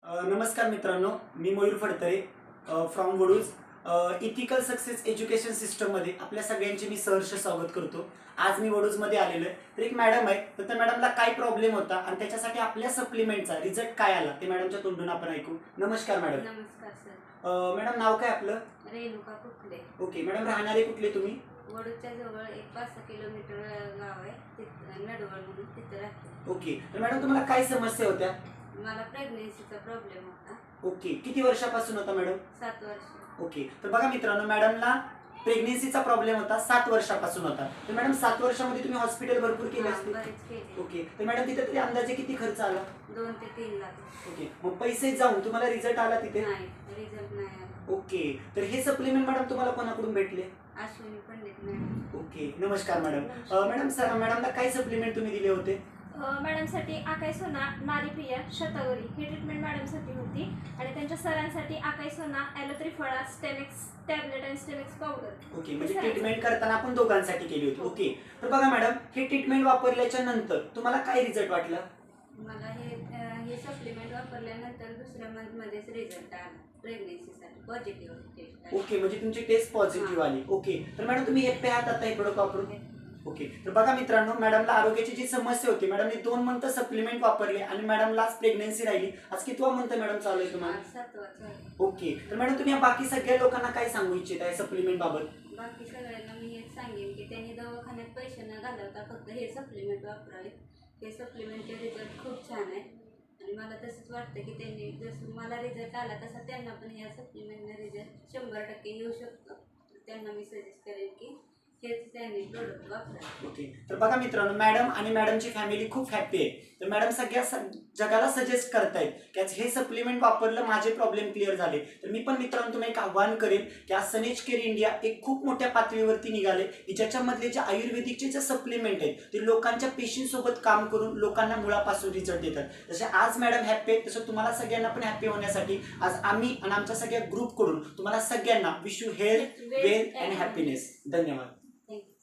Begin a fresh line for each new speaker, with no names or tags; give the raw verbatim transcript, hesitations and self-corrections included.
अ, नमस्कार मित्रांनो, मी Mayur Phadtare from Vaduj. Ethical success education सिस्टममध्ये आपल्या सगळ्यांचे मी सहर्ष स्वागत करतो. आज मी वडूजमध्ये आलेलो आहे. तर एक मॅडम आहे, तर त्या मॅडमला काय प्रॉब्लेम होता आणि त्याच्यासाठी आपल्या सप्लिमेंटचा रिझल्ट काय आला ते मॅडमच्या तोंडून आपण ऐकू. नमस्कार मॅडम.
नमस्कार सर.
अ, मॅडम नाव काय आपलं?
रेणुका कुकले.
ओके मॅडम, राहणारे कुठले तुम्ही?
वडूच्या जवळ एक पाच सहा किलोमीटर गाव आहे, तिथं नडवळ म्हणून तिथं राहते.
ओके, तर मॅडम तुम्हाला काय समस्या होत्या?
मला प्रेग्नेन्सीचा प्रॉब्लेम होता.
ओके, किती वर्षापासून होता मॅडम?
सात वर्ष.
ओके, तर बघा मित्रांनो, मॅडमला प्रेग्नेन्सीचा प्रॉब्लेम होता, सात वर्षापासून होता. तर मॅडम सात वर्षामध्ये तुम्ही हॉस्पिटल भरपूर केले
हा,
असते.
बरेच केले.
ओके, तर मॅडम तिथे तरी अंदाजे किती खर्च आला?
दोन ते तीन लाख.
ओके, मग पैसे जाऊन तुम्हाला रिझल्ट आला तिथे?
नाही, रिझल्ट नाही आला.
ओके, तर हे सप्लिमेंट मॅडम तुम्हाला कोणाकडून भेटले?
अश्विनी पंडित मॅडम.
ओके, नमस्कार मॅडम. अ, मॅडम सर मॅडमला काय सप्लिमेंट तुम्ही दिले होते?
मॅडमसाठी आकाई सोना, नारीप्रिया, शतावरी ही ट्रीटमेंट मॅडमसाठी होती आणि त्यांच्या सरांसाठी आकाई सोना, ॲलोथ्री फळा, स्टेमिक्स टॅबलेट आणि स्टेमिक्स पावडर.
ओके, म्हणजे ट्रीटमेंट करताना आपण दोघांसाठी केली होती. ओके, तर बघा मॅडम, हे ट्रीटमेंट वापरल्याच्या नंतर तुम्हाला काय रिझल्ट वाटला?
मला हे अं, हे सप्लिमेंट वापरल्यानंतर दुसऱ्या मंथमध्येच रिझल्ट आला. प्रेग्नेन्सीसाठी पॉझिटिव्ह टेस्ट आली.
ओके, म्हणजे तुमची टेस्ट पॉझिटिव्ह आली. ओके, तर मॅडम तुम्ही हॅप्पी आहात आता हे प्रोडक्ट वापरून? ओके, तर बघा मित्रांनो, मॅडमला आरोग्याची जी समस्या होती, मॅडमने दोन मंथ सप्लिमेंट वापरले आणि मॅडमला आज प्रेग्नेन्सी राहिली. आज कितवा मंथ मॅडम चालू आहे तुम्हाला?
आज सातवा चालू.
ओके, तर मॅडम तुम्ही या बाकी सगळ्या लोकांना काय सांगू इच्छित आहे सप्लिमेंट बाबत?
बाकी सगळ्यांना मी हेच सांगेन की त्यांनी दवाखान्यात पैसे न घालवता फक्त हे सप्लिमेंट वापरावे. हे सप्लिमेंटचे रिझल्ट खूप छान आहे आणि मला तसंच वाटतं की त्यांनी जसं मला रिझल्ट आला तसा त्यांना पण ह्या सप्लिमेंटने रिझल्ट शंभर टक्के येऊ शकतो. तर त्यांना मी सजेस्ट करेन की हेच त्यांनी प्रोडक्ट वापरा.
ओके, तर बघा मित्रांनो, मॅडम आणि मॅडमची फॅमिली खूप हॅप्पी आहे. तर मॅडम सगळ्या स- जगाला सजेस्ट करतायत की आज हे सप्लिमेंट वापरलं माझे प्रॉब्लेम क्लिअर झाले. तर मी पण मित्रांनो तुम्हाला एक आव्हान करेन की आज सनेज केअर इंडिया एक खूप मोठ्या पातळीवरती निघाले की ज्याच्यामधले जे आयुर्वेदिकचे जे सप्लिमेंट आहेत ते लोकांच्या पेशींसोबत काम करून लोकांना मुळापासून रिझल्ट देतात. जसे आज मॅडम हॅप्पी आहेत तसं तुम्हाला सगळ्यांना पण हॅप्पी होण्यासाठी आज आम्ही आणि आमच्या सगळ्या ग्रुपकडून तुम्हाला सगळ्यांना wish you health, wealth and happiness. धन्यवाद.